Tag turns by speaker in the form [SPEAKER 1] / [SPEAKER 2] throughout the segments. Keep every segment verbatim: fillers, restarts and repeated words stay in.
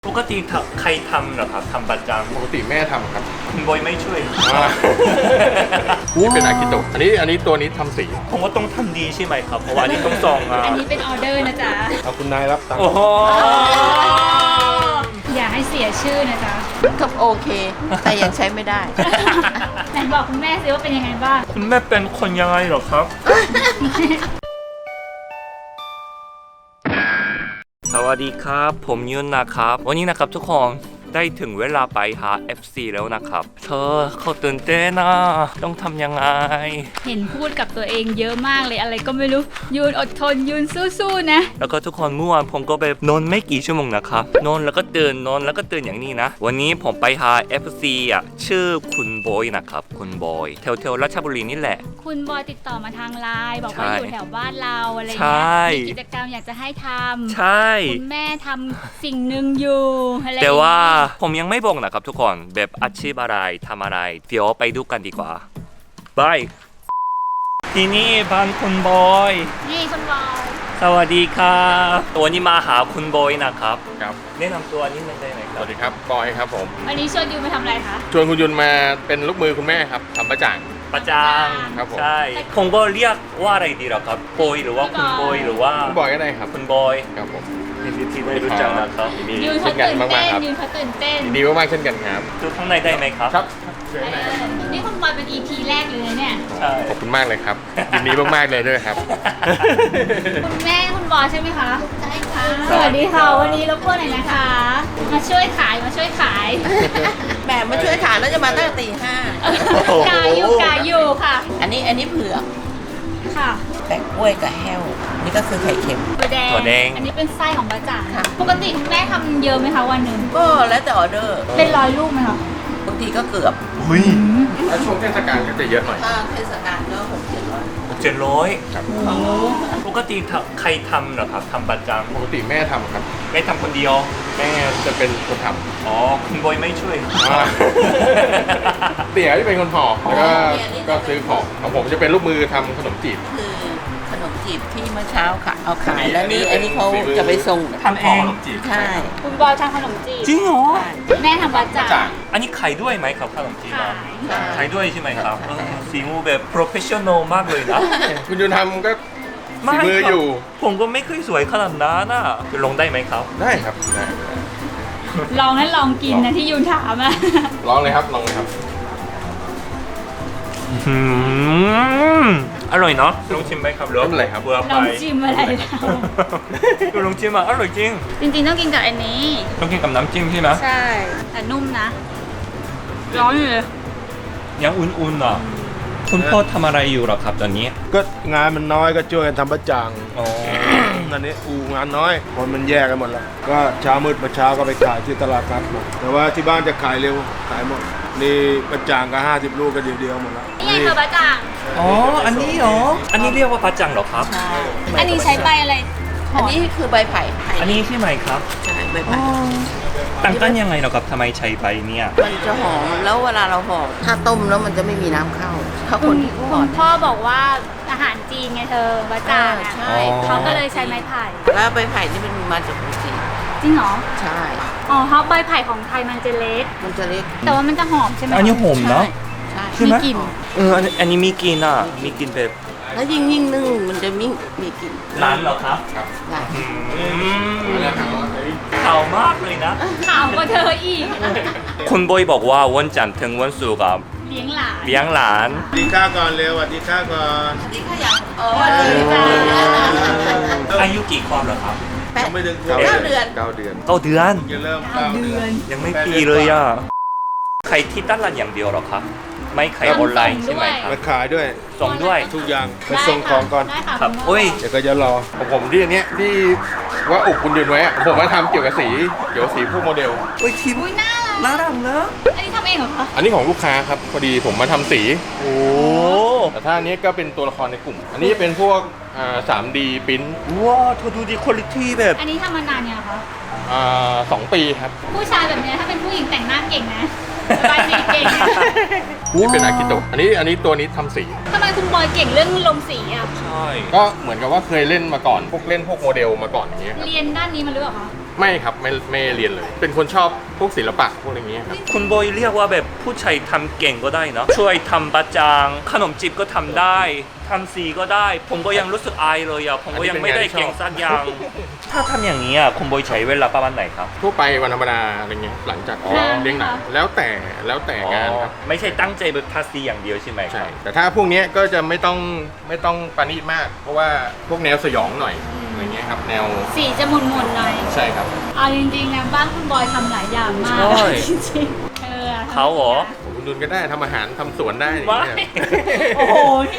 [SPEAKER 1] ปกติใครทำเหรอครับทำประจำ
[SPEAKER 2] ปกติแม่ทำครับ
[SPEAKER 1] คุณบอยไม่ช่วย
[SPEAKER 2] นี่เป็นอากิโตะอันนี้อันนี้ตัวนี้ทำสี
[SPEAKER 1] ผมว่าต้องทำดีใช่ไหมครับเพราะว่าอันนี้ต้องส่งอ่ะ
[SPEAKER 3] อันนี้เป็นออเดอร์นะจ๊ะ
[SPEAKER 2] เอาคุณนายรับตังค์
[SPEAKER 1] โอ้โห
[SPEAKER 3] อย่าให้เสียชื่อนะจ๊ะ
[SPEAKER 4] ก็โอเคแต่ยังใช้ไม่ได้
[SPEAKER 3] ไหนบอกคุณแม่สิว่าเป็นยังไงบ้าง
[SPEAKER 1] คุณแม่เป็นคนยังไงเหรอครับสวัสดีครับผมยุนนะครับวันนี้นะครับทุกคนได้ถึงเวลาไปหา เอฟ ซี แล้วนะครับเธอเขาตื่นเต้นนะต้องทำยังไง
[SPEAKER 3] เห็นพูดกับตัวเองเยอะมากเลยอะไรก็ไม่รู้ยูนอดทนยูนสู้ๆนะ
[SPEAKER 1] แล้วก็ทุกคนเมื่อวานผมก็ไปนอนไม่กี่ชั่วโมงนะครับนอนแล้วก็ตื่นนอนแล้วก็ตื่นอย่างนี้นะวันนี้ผมไปหา เอฟ ซี อ่ะชื่อคุณบอยนะครับคุณบอยแถวแถวราชบุรีนี่แหละ
[SPEAKER 3] คุณบอยติดต่อมาทางไลน์บอกว่าอยู่แถวบ้านเราอะไรเงี้ยมีกิจกรรมอยากจะให้ทำ
[SPEAKER 1] ใช่
[SPEAKER 3] คุณแม่ทำสิ่งหนึ่งอยู่อะไร
[SPEAKER 1] แต่ว่าผมยังไม่บอกนะครับทุกคนแบบอาชีพอะไรทำอะไรเดี๋ยวไปดูกันดีกว่าบายที่นี่บ้านคุณบอย
[SPEAKER 3] นี่คุณบอย
[SPEAKER 1] สวัสดีครับตัวนี้มาหาคุณบอยนะครับ
[SPEAKER 2] ครับ
[SPEAKER 1] แนะนำตัวนิดนึงได้ไหมครับ
[SPEAKER 2] สวัสดีครับบอยครับผม
[SPEAKER 3] วันนี้ชวนยูนมาทำอะไรคะ
[SPEAKER 2] ชวนคุณยุนมาเป็นลูกมือคุณแม่ครับทำประจ่าง
[SPEAKER 1] ประจาง
[SPEAKER 2] ครับผม
[SPEAKER 1] ใช่ผมก็เรียกว่าอะไรดีล่ะครับบอยหรือว่าคุณบอยหรือว่า
[SPEAKER 2] คุณบอยก็ได้ครับ
[SPEAKER 1] คุณบอย
[SPEAKER 2] ครับผม
[SPEAKER 1] ยินดีที่ได้รู้จักนะครับ
[SPEAKER 3] ยืนเขาตื่นเต้นยืนเขาตื่นเต้น
[SPEAKER 2] ดีมากๆเช่นกันครับ
[SPEAKER 1] ดูข้างในได้ไหมครับ
[SPEAKER 2] ครับ
[SPEAKER 3] นี่คุณบอยเป็น อี พี แรกเลยเนี่ย
[SPEAKER 1] ใช่
[SPEAKER 2] ขอบคุณมากเลยครับยินดีมากๆเลยด้วยครับ
[SPEAKER 3] คุณแม่คุณบอยใช่ไหมคะใช่ค่ะสวัสดีค่ะวันนี้รบกวนหน่อยนะคะมาช่วยขายมาช่วยขาย
[SPEAKER 4] แหมมาช่วยขายแล้วจะมาตั้งแต่ตีห้าก
[SPEAKER 3] ายูกายูค่ะ
[SPEAKER 4] อันนี้อันนี้เผือก
[SPEAKER 3] ค่ะ
[SPEAKER 4] แปะกล้วยกับแห้วนี่ก็คือไข่เค็ม
[SPEAKER 3] ตัวแดง
[SPEAKER 1] ตัวแดง
[SPEAKER 3] อันนี้เป็นไส้ของบะจ่างปกติคุณแม่ทำเยอะไหมคะวันหนึ่ง
[SPEAKER 4] ก็แล้วแต่ออเดอร์
[SPEAKER 3] เป็นร้อยลูกไหมคะ
[SPEAKER 4] บางทีก็เกือบ
[SPEAKER 1] หุ้ย
[SPEAKER 2] แล้วช่วงเทศกาลก็จะเยอะหน่อย
[SPEAKER 4] ถ้าเทศกาลก็หกเจ็ดร้อย
[SPEAKER 1] หกเจ็ดร้อย
[SPEAKER 2] ครับ
[SPEAKER 1] ปกติใครทำเหรอครับทำประจำ
[SPEAKER 2] ปกติแม่ทำครับ
[SPEAKER 1] แม่ทำคนเดียว
[SPEAKER 2] แม่จะเป็นคนทำ
[SPEAKER 1] อ๋อคุณบอยไม่ช่วย
[SPEAKER 2] เตี๋ยที่เป็นคนห่อแล้วก็ก็ซื้อของของผมจะเป็นลูกมือทำขนมจีบ
[SPEAKER 4] คือขนมจีบที่เมื่อเช้าค่ะเอาขายแล้วนี่อันนี้เขาจะไปส่ง
[SPEAKER 1] ทำเอง
[SPEAKER 4] ใช่
[SPEAKER 3] คุณบอยทำขนมจีบ
[SPEAKER 1] จริงเหรอ
[SPEAKER 3] แม่ทำบะจ่าง
[SPEAKER 1] อันนี้ขายด้วยไหมครับขนมจีบขายด้วยใช่ไหมครับสีมือแบบ professional มากเลยนะ
[SPEAKER 2] คุณยูนทำก็ฝีมืออยู่
[SPEAKER 1] ผมก็ไม่เคยสวยขนาดนั้นนะลงได้ไหมครับ
[SPEAKER 2] ได้ครับได้
[SPEAKER 3] ลองนั้นลองกินนะที่ยูนถามอะ
[SPEAKER 2] ลองเลยครับลองเลยครับ
[SPEAKER 1] อร่อยเนาะลองชิมไหมครับ
[SPEAKER 2] รสอะไรครับ
[SPEAKER 1] เบื่อไป
[SPEAKER 3] ลองชิมอะไร
[SPEAKER 1] ก็ลองชิมอ่ะอร่อยจริง
[SPEAKER 3] จริงๆต้องกินกับอันนี้
[SPEAKER 1] ต้องกินกับน้ำจิ้มใช่ไหม
[SPEAKER 3] ใช่แต่นุ่มนะร้อนอยู่เลย
[SPEAKER 1] ยังอุ่นๆอ่ะคุณพ่อทำอะไรอยู่หรอครับตอนนี้
[SPEAKER 5] ก็งานมันน้อยก็ช่วยกันทำประจัง
[SPEAKER 1] อ๋อ
[SPEAKER 5] นั่นนี่อูงานน้อยคนมันแยกกันหมดแล้วก็เช้ามืดมาเช้าก็ไปขายที่ตลาดนัดหมดแต่ว่าที่บ้านจะขายเร็วขายหมดนี่ประจังก็ห้าสิบลูกก็เดียวเดียวหมดแล้ว
[SPEAKER 3] นี่ไงคือประจัง
[SPEAKER 1] อ๋ออันนี้เหรออันนี้เรียกว่าประจังเหรอครับ
[SPEAKER 4] ใช่
[SPEAKER 3] อันนี้ใช้ใบอะไร
[SPEAKER 4] อันนี้คือใบไผ่
[SPEAKER 1] อันนี้ใช่ไหมครับ
[SPEAKER 4] ใช่ใบไผ่
[SPEAKER 1] ต่างกันยังไงเหรอครับทำไมใช้ใบเนี่ย
[SPEAKER 4] มันจะหอมแล้วเวลาเราห่อถ้าต้มแล้วมันจะไม่มีน้ำเข้าถ้าคนที่ห่อ
[SPEAKER 3] พ่อบอกว่าอาหารจีนไงเธอบะจ่างอ่ะเขาก็เลยใช้ไม้ไผ่
[SPEAKER 4] แล้วใบไผ่นี่มันมาจากจีน
[SPEAKER 3] จริงเหรอ
[SPEAKER 4] ใช่
[SPEAKER 3] อ๋อเพราะใบไผ่ของไทยมันจะเล็ก
[SPEAKER 4] มันจะเล็ก
[SPEAKER 3] แต่ว่ามันจะหอมใช่ไหม
[SPEAKER 1] อันนี้หอมเนาะ
[SPEAKER 4] ใช่
[SPEAKER 3] มีกลิ่น
[SPEAKER 1] เอออันนี้มีกลิ่นอ่ะมีกลิ่นแบบ
[SPEAKER 4] แล้วยิ่งยิ่งนึ่งมันจะมีมีกลิ่น
[SPEAKER 1] ร้านเหรอครับ
[SPEAKER 2] ครับ
[SPEAKER 4] ร้าน
[SPEAKER 1] ข่าวมากเลยนะ
[SPEAKER 3] ข่าวก็เธออีก
[SPEAKER 1] คุณบอยบอกว่าวันจันทร์ถึงวันศุกร์
[SPEAKER 3] เลี้ยงหลาน
[SPEAKER 1] เลี้ยงหลาน
[SPEAKER 5] ดีข้าก่อนเร็วสวัสดีข้าก่อน
[SPEAKER 4] สวัสดีข้าอย่างอ๋อสวัสดีจ้า
[SPEAKER 1] อายุกี่ขวบเหรอครับ
[SPEAKER 4] แปด
[SPEAKER 5] ไม่ถึง
[SPEAKER 4] เก้าเดือน
[SPEAKER 2] เก้าเดือน
[SPEAKER 1] เก้าเดือน
[SPEAKER 5] จะเริ่ม
[SPEAKER 3] เก้าเดือน
[SPEAKER 1] ยังไม่ปีเลยอ่ะใครที่ตลาดอย่างเดียวหรอครับไม่ขายออนไลน์ใช่ไหมครับ
[SPEAKER 5] มาขายด้วย
[SPEAKER 1] ส่งด้วย
[SPEAKER 5] ทุกอย่างไปส่งของก่อน
[SPEAKER 1] ครับโอ้ย
[SPEAKER 5] เดี๋ยวก็จะรอ
[SPEAKER 2] ของผมที่อันเนี้ยที่ว่าอุบคุณยืนไว้อะผมมาทำเกี่ยวกับสีเกี่ยวกับสีพวกโมเดล
[SPEAKER 1] โอ้ยทีม
[SPEAKER 3] น่ารักน่ารักเนอะอันนี้ทำเองเหรอคะ
[SPEAKER 2] อันนี้ของลูกค้าครับพอดีผมมาทำสี
[SPEAKER 1] โอ้
[SPEAKER 2] แต่ถ้าอันนี้ก็เป็นตัวละครในกลุ่มอันนี้จะเป็นพวกอ่า สามดี พิมพ์
[SPEAKER 1] ว้าวเธอดูดีคุณภาพแบบ
[SPEAKER 3] อันนี้ทำมานานยังคะ
[SPEAKER 2] อ่าสองปีครับ
[SPEAKER 3] ผู้ชายแบบนี้ถ้าเป็นผู้หญิงแต่งหน้าเก่งนะบายสีเก่ง
[SPEAKER 2] นี่เป็นอากิโตะอันนี้อันนี้ตัวนี้ทำสี
[SPEAKER 3] ทำไมคุณบอยเก่งเรื่องลงสีอ่ะ
[SPEAKER 1] ใช่
[SPEAKER 2] ก็เหมือนกับว่าเคยเล่นมาก่อนพวกเล่นพวกโมเดลมาก่อนอย่างเงี้ยครับ
[SPEAKER 3] เรียนด้านนี้มาหรือเปล่าคะ
[SPEAKER 2] ไม่ครับไม่ไม่เรียนเลย เป็นคนชอบพวกศิลปะพวกอย่างเงี้ยครับ
[SPEAKER 1] คุณโบยเรียกว่าแบบผู้ชายทำเก่งก็ได้เนาะช่วยทำบะจางขนมจีบก็ทำได้ทำสีก็ได้ ผมก็ยังรู้สึกอายเลยอ่ะผมก็ยังไม่ได้เก่งสักอย่าง ถ้าทำอย่างนี้อ่ะคุณโบยใช้เวลาประมาณไหนครับ
[SPEAKER 2] ทั่วไปวันธรรมดาอะไรเงี้ยหลังจาก
[SPEAKER 1] อ๋อ
[SPEAKER 2] เลี้ยงหนังแล้วแต่แล้วแต่งานครับ
[SPEAKER 1] ไม่ใช่ตั้งใจแบบทาสีอย่างเดียวใช่ไหมค
[SPEAKER 2] ใช่
[SPEAKER 1] รับ
[SPEAKER 2] แต่ถ้าพวกเนี้ยก็จะไม่ต้องไม่ต้องปานีตมาก เพราะว่าพวกแนวสยองหน่อยอะไรเงี้ยครับแนว
[SPEAKER 3] สีจะหมุนๆหน่อย
[SPEAKER 2] ใช่ครับ
[SPEAKER 3] เอาจริงๆนะบ้านคุณบอยทำหลายอย่างมาก
[SPEAKER 1] ใช่
[SPEAKER 3] จริงๆเออทำ
[SPEAKER 1] เขาเหรอ
[SPEAKER 2] คุณดุลก็ได้ทำอาหารทำสวนได้อย่าง
[SPEAKER 1] ไม่
[SPEAKER 2] เงี้ย
[SPEAKER 3] โอ้โห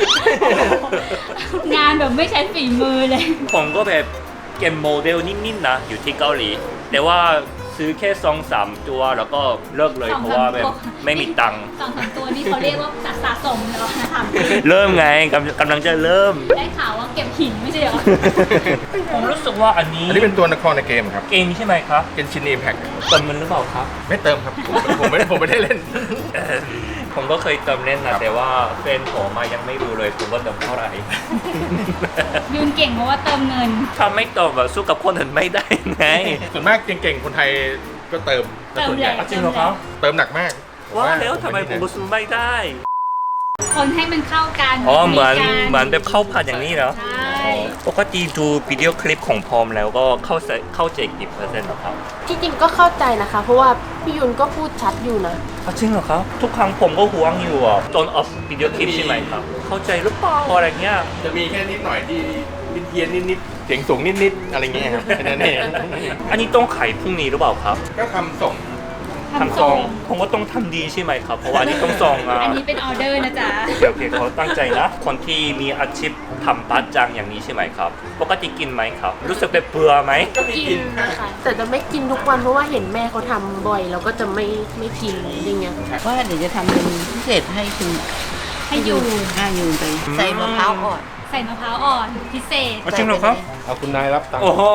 [SPEAKER 3] งานแบบไม่ใช้ฝีมือเลย
[SPEAKER 1] ผมก็แบบเก็บโมเดลนิดๆนะอยู่ที่เกาหลี แต่ว่าซื้อแค่สองสามตัวแล้วก็เลิกเลย
[SPEAKER 3] สอง
[SPEAKER 1] เพ
[SPEAKER 3] สาม
[SPEAKER 1] ราะว่าแบบ
[SPEAKER 3] ตัว
[SPEAKER 1] ไม่มีตังค์
[SPEAKER 3] สองสามตัวนี่เขาเรียกว่าสะสมเหรอนะคะ
[SPEAKER 1] เริ่มไงกำกำลังจะเริ่ม
[SPEAKER 3] ได้ข่าวว่าเก็บหินไม่ใช่เหรอ
[SPEAKER 1] ผมรู้สึกว่าอันนี้
[SPEAKER 2] อันนี้เป็นตัวนครในเกมครับ
[SPEAKER 1] เกมใช่ไหมครับ
[SPEAKER 2] เกนชินอิมแพค
[SPEAKER 1] เติมมันหรือเปล่าครับ
[SPEAKER 2] ไม่เติมครับผมผมไม่ผมไม่ได้เล่น
[SPEAKER 1] เอ่อผมก็เคยเติมเล่น
[SPEAKER 2] ครั
[SPEAKER 1] นะ
[SPEAKER 2] บ
[SPEAKER 1] แต่ว่าแฟนผมมายังไม่รู้เลยผมว่าเติมเท่าไหร่
[SPEAKER 3] ยืนเก่งเพราะว่าเติมเงิน
[SPEAKER 1] ถ้าไม่เติมแบบสู้กับคนอื่นไม่ได้ไง
[SPEAKER 2] ส่วนมากเก่งๆคนไทยก็เติม
[SPEAKER 3] เติม
[SPEAKER 2] ส่วนใหญ่
[SPEAKER 3] แหละ
[SPEAKER 1] จริงเหรอครับ
[SPEAKER 2] เติมหนักมาก
[SPEAKER 1] ว่าแล้วทำไมผม
[SPEAKER 2] ผ
[SPEAKER 1] สู้ไม่ได้
[SPEAKER 3] คนให้มันเข้ากัน
[SPEAKER 1] อ๋อเหมือน
[SPEAKER 3] กั
[SPEAKER 1] เหมือนแบบเข้าผัดอย่างนี้เหรอ
[SPEAKER 3] ใช่
[SPEAKER 1] ปกติดูวิดีโอคลิปของพอมแล้วก็เข้าใจเข้าใจกี่เปอร์เซ็นต์หรอครับ
[SPEAKER 6] ที่จริงก็เข้าใจนะคะ เพราะว่าพี่ยุนก็พูดชัดอยู่นะ
[SPEAKER 1] อ๋อจริงเหรอครับ ทุกครั้งผมก็ห่วงอยู่อ่ะตอนออฟวิดีโอคลิปใช่ไหมครับ เข้าใจหรือเปล่าอะไรเงี้ย
[SPEAKER 2] จะมีแค่นิดหน่อยที่เพี้ยนๆนิดๆเสียงสูงนิดๆอะไรเงี้ยครับแค่นั้นเอง
[SPEAKER 1] อันนี้ต้องขายพรุ่งนี้หรือเปล่าครับ
[SPEAKER 2] ก็ทำส่ง
[SPEAKER 1] ทำซองผมก็ต้องทำดีใช่ไหมครับ เพราะว่าอันนี้ต้องซองอ่ะ
[SPEAKER 3] อันนี้เป็นออเดอร์นะจ๊ะ
[SPEAKER 1] โอเคเขาตั้งใจนะ คนที่มีอาชีพทำปัจจังอย่างนี้ใช่ไหมครับ ปกติกินไหมครับ รู้สึกแบบเบื่อไหม
[SPEAKER 2] ก็มี
[SPEAKER 6] กิ
[SPEAKER 2] กิ
[SPEAKER 6] น
[SPEAKER 2] น
[SPEAKER 6] นะคะแต่จะไม่กินทุกวันเพราะว่าเห็นแม่เขาทำบ่อยเราก็จะไม่ไม่กินอย่างเงี้ย
[SPEAKER 4] ว่าเดี๋ยวจะทำเป็นพิเศษให้คุณ
[SPEAKER 3] ให้อยู่
[SPEAKER 4] ห้ายูนไปใส่มะพร้าวอ่อน
[SPEAKER 3] ใส่มะพร้าวอ่อนพิเศษ
[SPEAKER 1] จริงเหรอครับ
[SPEAKER 5] เอาคุณนายรับตังค์
[SPEAKER 1] โอ้โห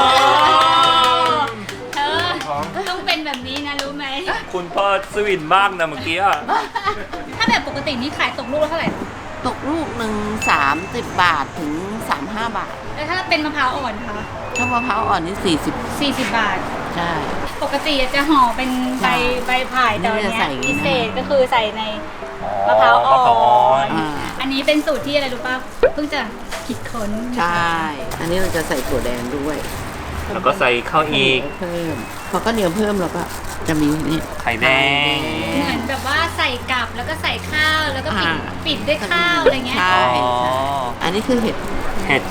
[SPEAKER 3] เธอต้องเป็นแบบนี้นะรู้ไหม
[SPEAKER 1] คุณพ่อสวินมากนะเมื่อกี้อะ
[SPEAKER 3] ถ้าแบบปกตินี่ขายตกลูกละเท่าไหร่
[SPEAKER 4] ตกลูกหนึ่งสามสิบบาทถึงสามห้าบาท
[SPEAKER 3] แล้วถ้าเป็นมะพร้าวอ่อนนะคะ
[SPEAKER 4] ถ้ามะพร้าวอ่อนนี่สี่สิบ
[SPEAKER 3] สี่สิบบาท
[SPEAKER 4] ใช่
[SPEAKER 3] ปกติจะห่อเป็นใบใบไผ่แต่วัน
[SPEAKER 4] นี่
[SPEAKER 3] เนี้
[SPEAKER 4] จะใส่
[SPEAKER 3] ย
[SPEAKER 4] อย่างนี้
[SPEAKER 3] พิ
[SPEAKER 4] นะ
[SPEAKER 3] เศษก็คือใส่ในมะพร้าวอ่
[SPEAKER 1] มะพร้าวอ่อ
[SPEAKER 3] อน น
[SPEAKER 4] อ่า
[SPEAKER 3] อันนี้เป็นสูตรที่อะไรรู้ป่ะ เพิ่งจะคิดค้น
[SPEAKER 4] ใช่ อันนี้เราจะใส่ถั่วแดงด้วย
[SPEAKER 1] แล้วก็ใส่ข้าวอีก
[SPEAKER 4] เพิ่มพอก็เหนียวเพิ่มแล้วก็จะมีนี่
[SPEAKER 1] ไข่แดง
[SPEAKER 3] เหมือนแบบว่าใส่กับแล้วก็ใส่ข้าวแล้วก็ปิด
[SPEAKER 4] อ่า
[SPEAKER 3] ปิดด้วยข้าวอะไรเงี้ย
[SPEAKER 4] ใช่
[SPEAKER 1] อ๋อ
[SPEAKER 4] ใช่อันนี้คือเห็ด
[SPEAKER 1] เห็ด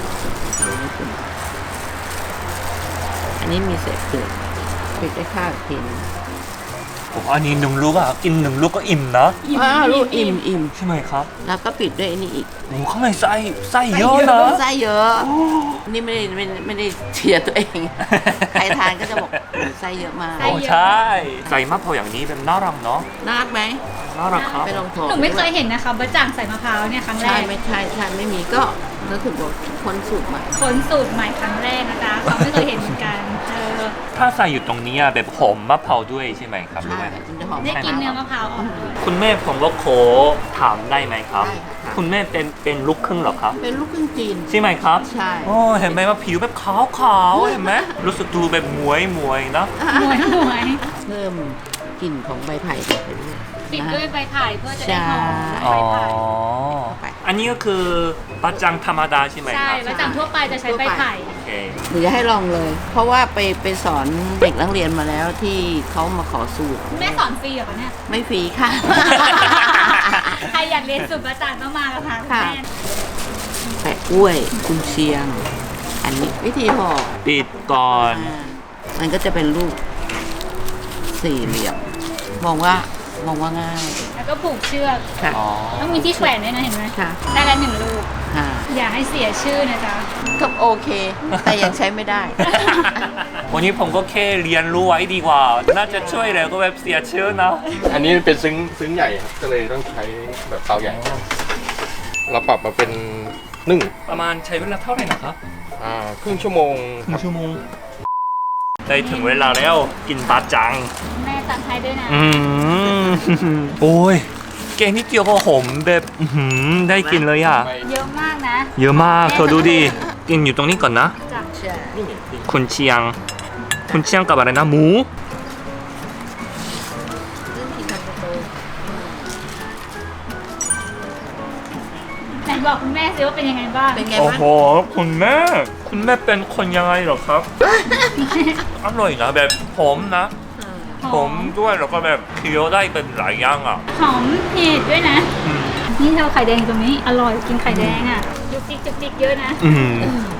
[SPEAKER 4] อันนี้มีเศษเปลือกปิดด้วยข้าวอีกทีหนึง
[SPEAKER 1] ผมอันนี้หนึ่งลูกอะกินหนึ่งลูกก็อิ่มนะ
[SPEAKER 4] อ้าวลูกอิ่มอิ่ม
[SPEAKER 1] ใช่ไหมครับ
[SPEAKER 4] แล้วก็ปิดด้วยอันนี้อีก
[SPEAKER 1] โอ้ข้างในไส้ไส้เยอะนะ
[SPEAKER 4] ไส้เยอะ นี่ไม่ได้ไม่ได้ไม่ได้เชียร์ตัวเอง ใครทานก็จะบอกโอ้ไส้เยอะมาก
[SPEAKER 1] โอ้ใช่ใส่มะพร้าวอย่างนี้เป็นน่ารักเนาะ
[SPEAKER 4] น่ารักไหม
[SPEAKER 1] น่ารักครับ
[SPEAKER 4] ไปลองโทร
[SPEAKER 3] หนูไม่เคยเห็นนะคะบะจ่างใส่มะพร้าวเนี่ยครั้งแร
[SPEAKER 4] ใช่
[SPEAKER 3] ก
[SPEAKER 4] ไม่ใช่ใช่ไม่มีก็นึกถึงบอกคนสูตรใหม่
[SPEAKER 3] ค้นสูตรใหม่ครั้งแรกนะจ๊ะเขาไม่เคยเห็นเหมือนกันเออ
[SPEAKER 1] ถ้าใส่อยู่ตรงนี้อะแบบหอมมะพร้าวด้วยใช่ไหมครับ
[SPEAKER 4] ใช่มันจะหอม
[SPEAKER 3] ได้กินเนื้อมะพร้าวอ่อนด้วย
[SPEAKER 1] คุณแม่ผมก็ขอถามได้ไหมครับ
[SPEAKER 4] ได้ค่ะ
[SPEAKER 1] คุณแม่เป็นเป็นลูกครึ่งเหรอครับ
[SPEAKER 4] เป็นลูกครึ่งจีน
[SPEAKER 1] ใช่ไหมครับ
[SPEAKER 4] ใช่
[SPEAKER 1] โอ้เห็นไหมว่าผิวแบบขาวขาวๆเห็นไหมรู้สึกดูแบบหมวยหมวยๆนะ
[SPEAKER 3] หมวยหมวย
[SPEAKER 4] เพิ่มกลิ่นของใบไผ่ไปด้วย
[SPEAKER 3] ปิด
[SPEAKER 4] นะ
[SPEAKER 3] ด้วยใบไผ่เพื่อจะได้หอม
[SPEAKER 4] ใช่
[SPEAKER 3] ใบ
[SPEAKER 1] อ๋อ
[SPEAKER 3] ไผ่
[SPEAKER 1] อันนี้ก็คือปาจังธรรมดาใช่ไหม
[SPEAKER 3] ใช่
[SPEAKER 1] ครับ
[SPEAKER 3] บะจ่างทั่วไปจะใช้ใบไผ่
[SPEAKER 1] โอเค
[SPEAKER 4] หรือจะให้ลองเลย เพราะว่าไปไปสอนเด็กนักเรียนมาแล้วที่เขามาขอสูตร
[SPEAKER 3] แม่สอนฟรีเหรอคะเนี่ย
[SPEAKER 4] ไม่ฟรีค่ะ
[SPEAKER 3] ใครอยากเรียนสูตรบะจ่างต้องมากับทางคุณ
[SPEAKER 4] ค่ะ
[SPEAKER 3] แม่
[SPEAKER 4] แปะกล้วยกุนเชียง อันนี้วิธีห่อ
[SPEAKER 1] ปิดก่อน
[SPEAKER 4] อ่ามันก็จะเป็นรูปสี่เหลี่ยม มองว่ามองว่าง่าย
[SPEAKER 3] แล้วก็ผูกเชือก
[SPEAKER 4] ค่ะ
[SPEAKER 1] อ๋อ
[SPEAKER 3] ต้องมีที่แขวนด้วยนะเห็นไหม
[SPEAKER 4] ค่ะ
[SPEAKER 3] ได้ละหนึ่งลูก
[SPEAKER 4] ค่ะ
[SPEAKER 3] อย่าให้เสียชื่อนะจ๊ะ
[SPEAKER 4] ก็โอเค แต่ยังใช้ไม่ได้
[SPEAKER 1] วันนี้ผมก็แค่เรียนรู้ไว้ดีกว่า น่าจะช่วยแล้วก็แบบเสียชื่อนะ
[SPEAKER 2] อันนี้เป็นซึ้งซึ้งใหญ่ครับก็เลยต้องใช้แบบเตาใหญ่ เราปรับมาเป็นนึ่ง
[SPEAKER 1] ประมาณใช้เวลาเท่าไหร่นะครับ
[SPEAKER 2] อ่าครึ่งชั่วโมง
[SPEAKER 1] ครึ่งชั่วโมงได้ถึงเวลาแล้วกินปาจัง
[SPEAKER 3] แม่ตัดให้ด้วยนะ
[SPEAKER 1] อืม โอ้ยแกงนิดเดียวก็หอมแบบอื้อหือได้กินเลยอ่ะ
[SPEAKER 3] เยอะมากนะ
[SPEAKER 1] เยอะมากเธอดูดิ กินอยู่ตรงนี้ก่อนนะ
[SPEAKER 3] จ้ะ
[SPEAKER 4] ใช่
[SPEAKER 1] คุณเชียงคุณเชียงกับอะไรนะหมู
[SPEAKER 3] ไหนบอกคุณแม่สิว่าเป็นยังไงบ้าง
[SPEAKER 4] เป็นไง
[SPEAKER 1] โอ้
[SPEAKER 4] บ้าง
[SPEAKER 1] โหคุณแม่คุณแม่เป็นคนยังไงเหรอครับ อร่อยนะแบบหอมนะหอมด้วยแล้วก็แบบเคี้ยวได้เป็นหลายอย่างอ่ะ
[SPEAKER 3] หอมเผ็ดด้วยนะ
[SPEAKER 1] อืม
[SPEAKER 3] นี่เราไข่แดงตรงนี้อร่อยกินไข่แดงอ่ะจุกจิกจุกจิกเยอะนะ
[SPEAKER 1] อืม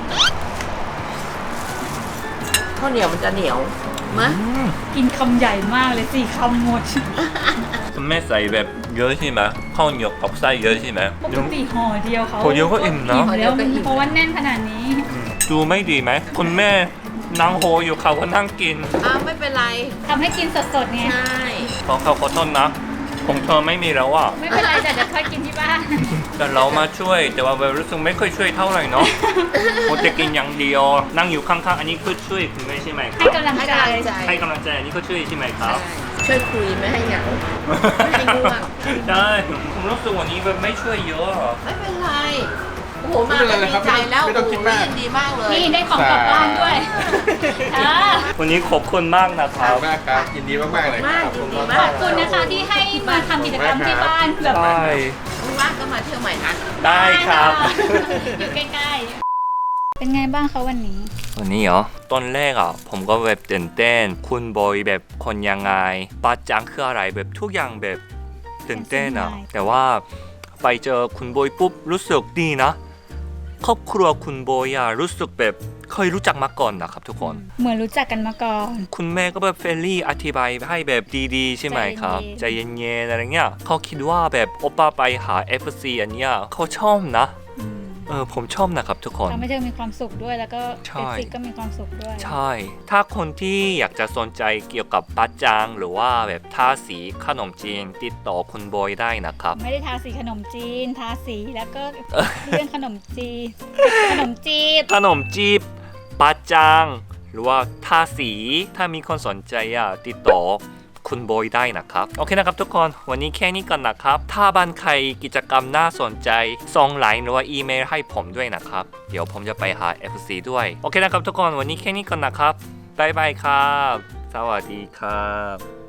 [SPEAKER 4] ข้าวเหนียวมันจะเหนียวมะ
[SPEAKER 3] กินคำใหญ่มากเลยสี่คำหมด
[SPEAKER 1] คุณแม่ใส่แบบเยอะใช่ไหมข้าวเหนียวกับไส้เยอะใช่ไหม
[SPEAKER 3] ปกติห่อเดียวเขา
[SPEAKER 1] ห่อเดียวก็อิ่มนะ
[SPEAKER 3] แล้วเพราะว่าแน่นขนาดนี้
[SPEAKER 1] ดูไม่ดีไหมคุณแม่นั่งโฮอยู่เขาก็นั่งกิน
[SPEAKER 4] อ้าวไม่เป็นไร
[SPEAKER 3] ทำให้กินสดๆไง
[SPEAKER 4] ใช่
[SPEAKER 1] ขอเขาขอโทษนะผมเธอไม่มีแล้วอ่ะ
[SPEAKER 3] ไม่เป็นไรแต่จะค่อยกินที่บ้าน
[SPEAKER 1] แต่เรามาช่วยแต่ว่าแบบรู้สึกไม่ค่อยช่วยเท่าไหร่เนาะผมจะกินอย่างเดียวนั่งอยู่ข้างๆอันนี้คือช่วยคุณแม่ใช่ไหมค
[SPEAKER 3] ให้
[SPEAKER 1] รับ
[SPEAKER 3] กำลัง
[SPEAKER 4] ให้
[SPEAKER 3] ใจ
[SPEAKER 4] กำลังใจ
[SPEAKER 1] ให้กำลังใจอันนี้ก็ช่วยใช่ไหมครับ
[SPEAKER 4] ใช่ช่วยคุยไม่ให้เหงา ไม่ให้ง่วง
[SPEAKER 1] ใช่ผมรู้สึกวันนี้แบบไม่ช่วยเยอะอะ
[SPEAKER 4] ไม่เป็นไรโอ้โหมาก็ดีใจแล้ว
[SPEAKER 2] ไม่ต้องคิดมาก
[SPEAKER 4] โอ้โหยินดีมากเลย
[SPEAKER 3] นี่ได้ของกลับบ้านด้วยอ่า
[SPEAKER 1] วันนี้ขอบคุณมากนะค
[SPEAKER 2] ขอบ
[SPEAKER 1] รับ
[SPEAKER 2] คุณมากครับยินดีมากๆเลยครับ
[SPEAKER 4] ยินดี
[SPEAKER 3] ข
[SPEAKER 4] มา
[SPEAKER 3] อก บคุณนะคะที่ให้มาทำกิจกรรมที่บ้านแบบ
[SPEAKER 1] ใช่
[SPEAKER 4] ว่างๆก็มาเที่ยวใหม่นะ
[SPEAKER 1] ได้ครับ
[SPEAKER 3] อยู่ใกล้ๆ เป็นไงบ้างคะวันนี้
[SPEAKER 1] วันนี้เหรอตอนแรกอ่ะผมก็แบบตื่นเต้นคุณบอยแบบคนยังไงปาจังคืออะไรแบบทุกอย่างแบบตื่นเต้นอ่ะแต่ว่าไปเจอคุณบอยปุ๊บรู้สึกดีนะครอบครัวคุณบอยอ่ะรู้สึกแบบเคยรู้จักมาก่อนนะครับทุกคน
[SPEAKER 3] เหมือนรู้จักกันมาก่อน
[SPEAKER 1] คุณแม่ก็แบบเฟรนลี่อธิบายให้แบบดีๆ ใช่ไหมครับใจเย็นๆอะไรเงี้ยเขาคิดว่าแบบโอป้าไปหา เอฟ ซี อันเนี้ยเขาชอบนะเออผมชอบนะครับทุกคน
[SPEAKER 3] ทำให้เธอมีความสุขด้วยแล้วก็
[SPEAKER 1] ใช่
[SPEAKER 3] เอฟซีก็มีความสุขด้วย
[SPEAKER 1] ใช่ ถ้าคนที่อยากจะสนใจเกี่ยวกับปัจจังหรือว่าแบบทาสีขนมจีนติดต่อคุณบอยได้นะครับ
[SPEAKER 3] ไม่ได้ทาสีขนมจีน ทาสีแล้วก็เรื่องขนมจีนขนมจีบ
[SPEAKER 1] ขนมจีบปัจจังหรือว่าทาสีถ้ามีคนสนใจอ่ะติดต่อคุณบอยได้นะครับโอเคนะครับทุกคนวันนี้แค่นี้ก่อนนะครับถ้าบ้านใครกิจกรรมน่าสนใจส่งไลน์หรือว่าอีเมลให้ผมด้วยนะครับเดี๋ยวผมจะไปหา เอฟ ซี ด้วยโอเคนะครับทุกคนวันนี้แค่นี้ก่อนนะครับบ๊ายบายครับสวัสดีครับ